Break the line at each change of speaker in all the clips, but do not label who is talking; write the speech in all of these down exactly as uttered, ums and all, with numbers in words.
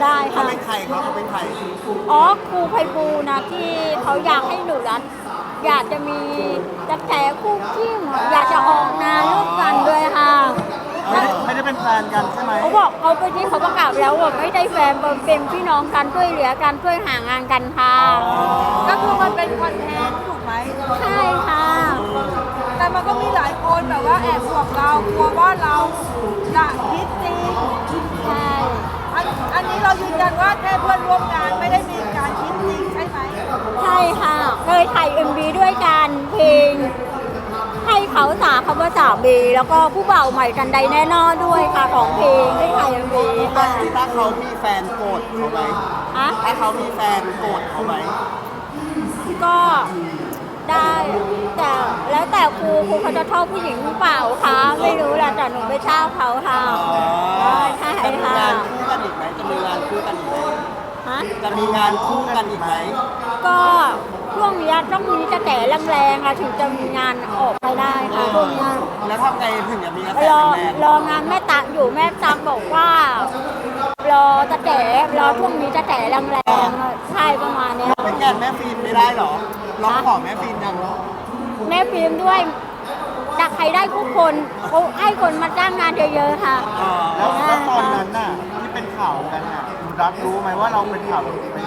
ได้ค่ะ
เขาเป็นใครเขาเขาเป็นใคร
อ๋อครูไพบูลย์นะที่เขาอยากให้หนูรัตอยากจะมีจะแฉคู่จิ้มอยากจะออกงานร่วมกันด้วยค่ะ
ไม่ได้ไม่ได้เป็นแฟนกันใช่ไหม
เขาบอกเขาไปที่เขาประกาศแล้วว่าไม่ได้แฟนเป็นพี่น้องกันช่วยเหลือกันช่วยหางานกันค่ะ
ก็คือมันเป็นคอนเทนต์ถูกไหม
ใช่ค่ะ
แต่มันก็มีหลายคนแบบว่าแอบห่วงเรากลัวว่าเราจะคิดจริง
ใช่
อันอันนี้เรายืนยันว่าแค่เพื่อนร่วมงานไม่ได้มีการคิดจริงใช่ไหม
ใช่ค่ะเคยถ่ายเอ็มบีด้วยกันเพลงให้เขาสาคำว่าสามีแล้วก็ผู้บ่าวใหม่กันใดแน่นอนด้วยค่ะของเพลงได้ถ่ายเอ็มบี
ถ้า
ค่ะ
ถ้าเขามีแฟนโกรธเขาไหม
ฮะ
ถ้าเขามีแฟนโกรธเขาไหม
ก็ได้แต่แล้วแต่ครูครูเขาจะชอบผู้หญิงหรือเปล่าคะไม่รู้แหละแต่หนูไม่ชอบเขาค่ะใช่
จะมี
ค่ะ
งานคู่กันอีกไหมจะมีงานคู่กันอีกไหม
ฮะ
จะมีงานคู่กันอีกไหม
ก็ช่วงนี้ต้องมีกระแสแรงๆอะถึงจะมีงานออกไปได้ค่ะช่วงนี้
แล้วทำไงถึงจะมีกระแส
รอ
แรง
รองานแม่ตักอยู่แม่ตักบอกว่ารอจะแฉรอช่วงนี้จะแฉแรงๆใช่ประมาณเนี้ย
ๆเป็นแก่นแม่ฟิล์มไม่ได้เหรอร้องขอแม่ฟิล์มยัง
แม่ฟิล์มด้วยจากใครได้ทุกคนเขาให้คนมาจ้างงานเยอะๆค่ะ
แล้วแล้วตอนนั้นน่ะที่เป็นข่าวกันน่ะคุณรักรู้ไหมว่าเราเป็นข่าวไป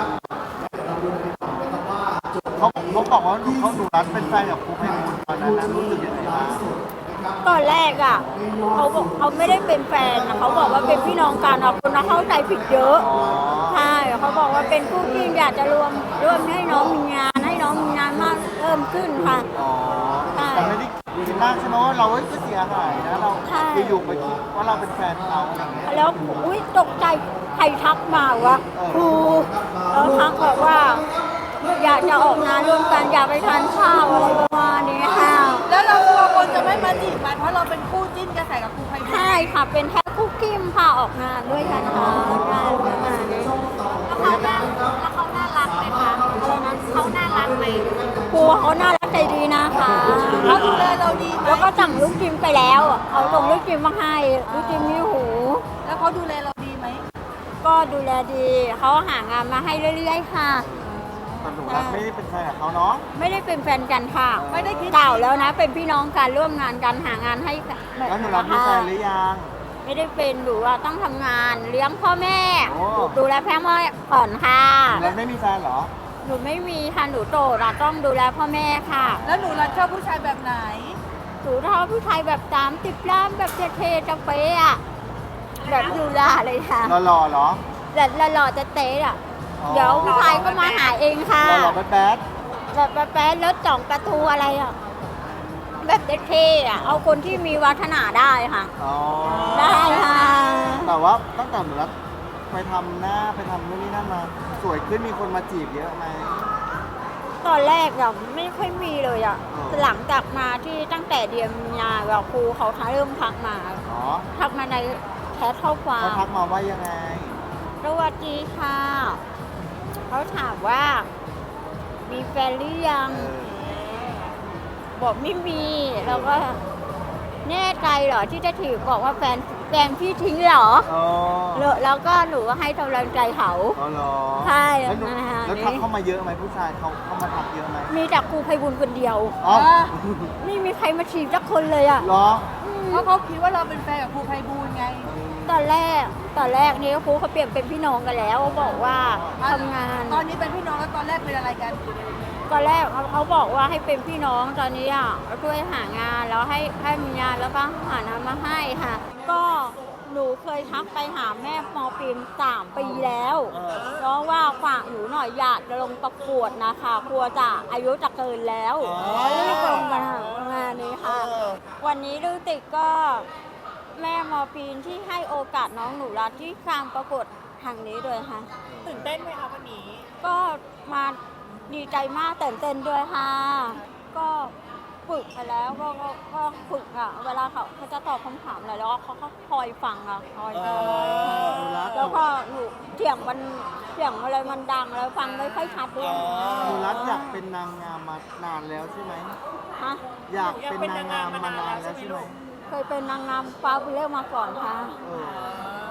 เขาเขาบอกว่าเขาดูรักเป็นแฟนกับครูไพบูลย์ตอนนั้นนะรู้สึกยังไงบ้าง
ตอนแรกอ่ะเขาบอกเขาไม่ได้เป็นแฟนนะเขาบอกว่าเป็นพี่น้องกันอ่ะคนเราเข้าใจผิดเยอะ
อ๋อ
ใช่เขาบอกว่าเป็นคู่จิ้นอยากจะรวมร่วมให้น้องมีงานให้น้องมีงานมากเพิ่มขึ้นค่ะ
อ๋อ
ใช่
แต่ไม่ได้คิดมากใช่ไหมว่าเราเอ้ยก็เสียหายนะเรา
ใช่
อยู่ๆไปคิดว่าเราเป็นแฟนเขาอะไรอย่างเงี้ย
แล้วอุ้ยตกใจใครทักมาวะครูแล้วทักบอกว่า อยากจะออกงานร่วมกันอยากไปทานข้าวอะไรประมาณนี้ค่ะ
แล้วเรากลัวคนจะไม่มาจีบมันเพราะเราเป็นคู่จิ้นกระแสกับครูไพบูลย์
ใช่ค่ะเป็นแค่คู่กิ้มค่ะออกงานด้วยกันค่ะใช่ประมาณนี้แล้วเขาน่าแล้วเขาน่ารักไหมคะอะไรนะเขาน่ารักไหมครูเขาน่ารักใจดีนะคะ
เขาดูแลเราดีไหม
แล้วก็สั่งลูกจิมไปแล้วเอาส่งลูกจิมมาให้ลูกจิมมีหู
แล้วเขาดูแลเราดีไหม
ก็ดูแลดีเขาหางานมาให้เรื่อยๆค่ะ
แต่หนูรักไม่ได้เป็นแฟนกับเขาเนาะ
ไม่ได้เป็นแฟนกันค่ะ
ไม่ได้คิด
เก่าแล้วนะ เป็นพี่น้องกันร่วมงานกันหางานให้
แล้วหนูรักมีแฟนหรือยัง
ไม่ได้เป็นหนูว่าต้องทำงานเลี้ยงพ่อแม่
โอ้
ดูแลพ่อแม่ก่อนค่ะ
หนูรักไม่มีแฟนเหรอ
หนูไม่มีค่ะหนูโตเราต้องดูแลพ่อแม่ค่ะ
แล้วหนูรักชอบผู้ชายแบบไหน
หนูชอบผู้ชายแบบสามสิบล้านแบบเท่ๆจะเป๊ะอะแบบดูแลเลยค่ะ
หล่อๆเหรอ
แต่หล่อๆจะเต๊ะอะ
อ๋อ
เดี๋ยวผู้ชายก็มาหาเองค่ะ
หล่อๆแบด
แบบแป๊ะๆรถจ่องประตูอะไรอะแบบเท่ๆอะเอาคนที่มีวัฒนาได้ค่ะ
ๆอ๋อ
ได้ค่ะ
แต่ว่าตั้งแต่หนูรักไปทำหน้าไปทำนู่นนี่นั่นมา สวยขึ้นมีคนมาจีบเยอะไหม
ตอนแรกอะไม่ค่อยมีเลยอะ
อ๋อ
หลังจากมาที่ตั้งแต่เดือนมีนาแบบครูเขาเริ่มทักมา
อ๋อ
ทักมาในแชทข้อควา
เขา
ม
ทักมาว่ายังไง
สวัสดีค่ะ เขาถามว่า มีแฟนหรือยัง บอกไม่มี แล้วก็แน่ใจเหรอที่จะถือบอกว่าแฟนแฟนพี่ทิ้งเหรอ
อ๋อ
แล้วแล้วก็หนูก็ให้กำลังใจเขา
อ๋อเหรอ
ใช่
แล้วหนู
นะคะ
แล้วทักเข้ามาเยอะไหมผู้ชายเขาเข้ามาทักเยอะไหม
มีแต่ครูไพบูลย์คนเดียว
อ๋อ
ไม่มีใครมาฉีดสักคนเลยอะ
เหรอ
เพราะเขาคิดว่าเราเป็นแฟนกับครูไพบูลย์ไง
ตอนแรกตอนแรกนี่ครูเขาเปลี่ยนเป็นพี่น้องกันแล้วเขาบอกว่าทำงาน
ตอนนี้เป็นพี่น้องแล้วตอนแรกเป็นอะไรกัน
ตอนแรกเขาเขาบอกว่าให้เป็นพี่น้องตอนนี้อ่ะช่วยหางานแล้วให้ให้มีงานแล้วก็หางานมาให้ค่ะ ก็หนูเคยทักไปหาแม่มอปีนสามปีแล้ว
เออ
เพราะว่าฝากหนูหน่อยอยากจะลงประกวดนะคะกลัวจะอายุจะเกินแล้วรีบลงมางานนี้ค่ะ วันนี้ลูกติกก็แม่มอปีนที่ให้โอกาสน้องหนูรัตที่การประกวดทางนี้ด้วยค่ะ
ตื่นเต้นไหมคะวันนี้
ก็มาดีใจมากตื่นเต้นด้วยค่ะ ก็ฝึกไปแล้วก็ก็ก็ฝึกอ่ะ เวลาเขาเขาจะตอบคำถามอะไรแล้วเขาก็คอยฟังอ่ะคอยฟัง
เออรัก
แล้วก็หนูเสียงมันเสียงอะไรมันดังแล้วฟังไม่ค่อยชัดด้วย
หนูรักอยากเป็นนางงามมานานแล้วใช่ไหม
ฮะ
อยากเป็นนางงามมานานแล้วใช่ไหม
เคยเป็นนางงามฟ้าบุเล่มาก่อนค่ะ
เออ
ปี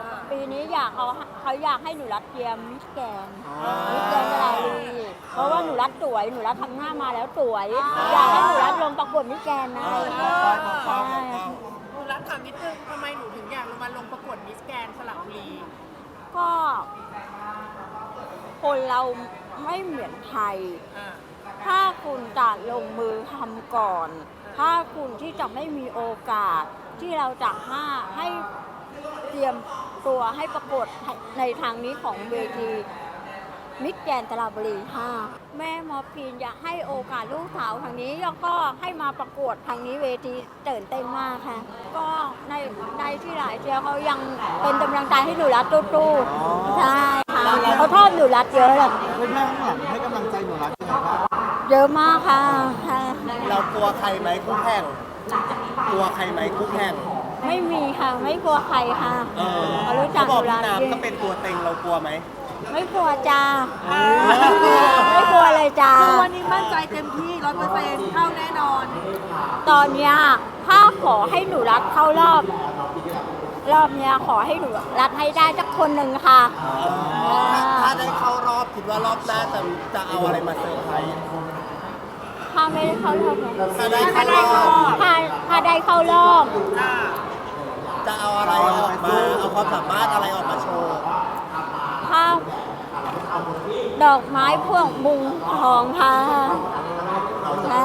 นี้อยากเขาเขาอยากให้หนูรัดเทียมมิสแกน
อ๋อ
มิสแกนสระบุรีเพราะว่าหนูรัดสวยหนูรัดทำหน้ามาแล้วสวย อยากให้หนูรัดลงประกวดมิสแกนนะ
ใช่
หนูรักถามนิดนึงทำไมหนูถึงอยากลงมาลงประกวดมิสแกนสระบุรี
ก็คนเราไม่เหมือนไทย
อ่า
ถ้าคุณจะลงมือทำก่อน ถ้าคุณที่จะไม่มีโอกาส ที่เราจะห้าให้เตรียมตัวให้ประกวดในทางนี้ของเวทีมิสแกรนด์สระบุรีค่ะแม่หมอพีนอยากให้โอกาสลูกสาวทางนี้แล้วก็ให้มาประกวดทางนี้เวทีตื่นเต้นมากค่ะ ก็ในในที่หลายเชียร์เขายังเป็นกำลังใจให้หนูรัดตู้ๆใช่ค่ะเขาชอบหนูรัดเยอะเลย
เพื่อนแม่ข้างหลังให้กำลังใจหนูรักยังไงบ้าง
เยอะมากค่ะค่ะ
เรากลัวใครไหมคู่แข่งกลัวใครไหมคู่แข่ง
ไม่มีค่ะไม่กลัวใครค่ะ
เออ
เขารู้จั
เขา
ก
บอก
หนูรั
พี่
ด
น้ำก็เป็นตัวเต็งเรากลัวไหม
ไม่กลัวจ้าไม่กลัวเลยจ้า
คือวันนี้มั่นใจเต็มที่ร้อยเปอร์เซ็นต์เข้าแน่นอน
ตอนเนี้ยถ้าขอให้หนูรัดเข้ารอบ รอบเนี้ยขอให้หนูรัดให้ได้สักคนหนึ่งค่ะ
ถ้าถ้าได้เข้ารอบคิดว่ารอบหน้าจะจะเอาอะไรมาเซอร์ไพรส์
ถ้าไม่ได้เข้ารอบนะ
ถ้าได้เข้ารอบ
ถ้าถ้าได้เข้ารอบ
อ่า
จะเอาอะไรออกมาเอาความสามารถอะไรออกมาโชว์
ถ้าดอกไม้พวกมุงทองค่ะค่ะ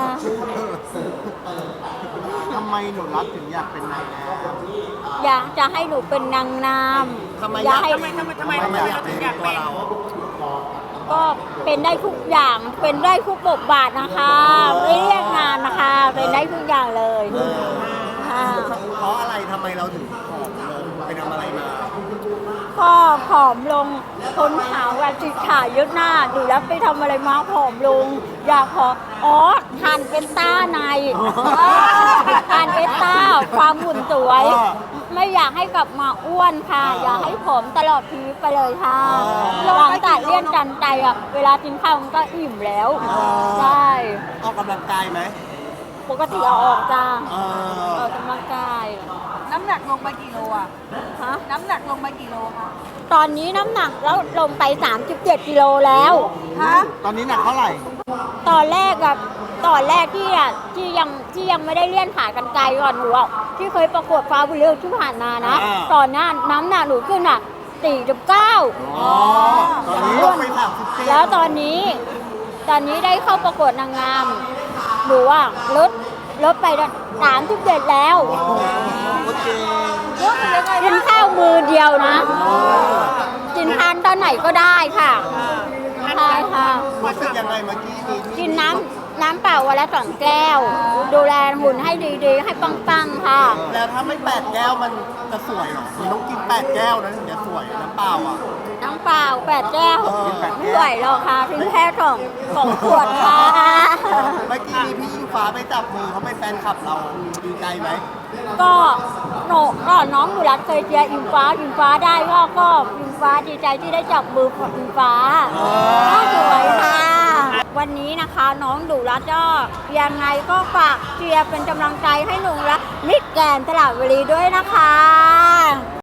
ทำไมหนูรักถึงอยากเป็นนางงาม
อยากจะให้หนูเป็นนางงาม
ทำไม
อยากให้
ทำไมทำไมทำไมทำไมเราถึงอยาก
ตัว
เป็น
เรา
ก็เป็นได้ทุกอย่างเป็นได้ทุกบทบาทนะคะไม่เรียกงานนะคะ เป็นได้ทุกอย่างเลยค่ะ
เพราะอะไรทำไมเราถึงผอมลงไปทำอะไรมา
ก็ผอมลงคนขาวกับจิตขายึดหน้าดูแล้วไปทำอะไรมาผอมลง อยากผอมอ๋อทานเป็นต้าในทานเป็นต้าความหุ่นสวย ไม่อยากให้กลับมาอ้วนค่ะ อยากให้ผอมตลอดชีวิตไปเลยค่ะหลังจากเลี่ยนจันใจอ่ะเวลากินข้าวมันก็อิ่มแล้วใช่
ออกกำลังกายไหม
ปกติเอาออกจ้า
เอ
อ
อ
อกกำลังกาย
น้ำหนักลงไปกี่โลอ่ะ
ฮะ
น้ำหนักลงไปกี่โลคะ
ตอนนี้น้ำหนักแล้วลงไปสามสิบเจ็ดกิโลแล้ว
ฮะ
ตอนนี้หนักเท่าไหร่
ตอนแรกอะตอนแรกที่อะที่ยังที่ยังไม่ได้เลี่ยนขากันไกลก่อนหนูอะที่เคยประกวดฟ้าบุญเรืองที่ผ่านมานะ
อ่า
ตอนนั้นน้ำหนักหนูขึ้นอะสี่สิบเก้า
อ๋อตอนนี้ลงไปสามสิบเจ็ด
แล้วตอนนี้ ตอนนี้ได้เข้าประกวดนางงามหนูอะลดลดไปสามสิบเจ็ดแล้ว
โอเค
กินข้าวมือเดียวนะกินทานตอนไหนก็ได้ค่ะใช่ค่ะ
รู้สึกยังไงเมื่อกี้นี้ที่
กินน้ำน้ำเปล่าวันละสองแก้ว ดูแลหุ่นให้ดีๆ ให้ปังๆค่ะ
แล้วถ้าไม่แปดแก้วมันจะสวยเหรอมันต้องกินแปดแก้วนะถึงจะสวยน้ำเปล่าอ่ะ
น้ำเปล่าแปดแก้ว
เออ
ไม่ไหวหรอกค่ะทิ้งแค่สองสองขวดค่ะ
เมื่อกี้นี้พี่อิงฟ้าไปจับมือเขาเป็นแฟนคลับเราดีใจไหม
ก็โนก็น้องหนูรักเคยเชียร์อิงฟ้าอิงฟ้าได้ก็ก็อิงฟ้าดีใจที่ได้จับมือกับอิงฟ้าก็สวยค่ะ วันนี้นะคะน้องดูรัตก็ยังไงก็ฝากเชียร์เป็นกำลังใจให้หนูรักมิสแกรนด์สระบุรีด้วยนะคะ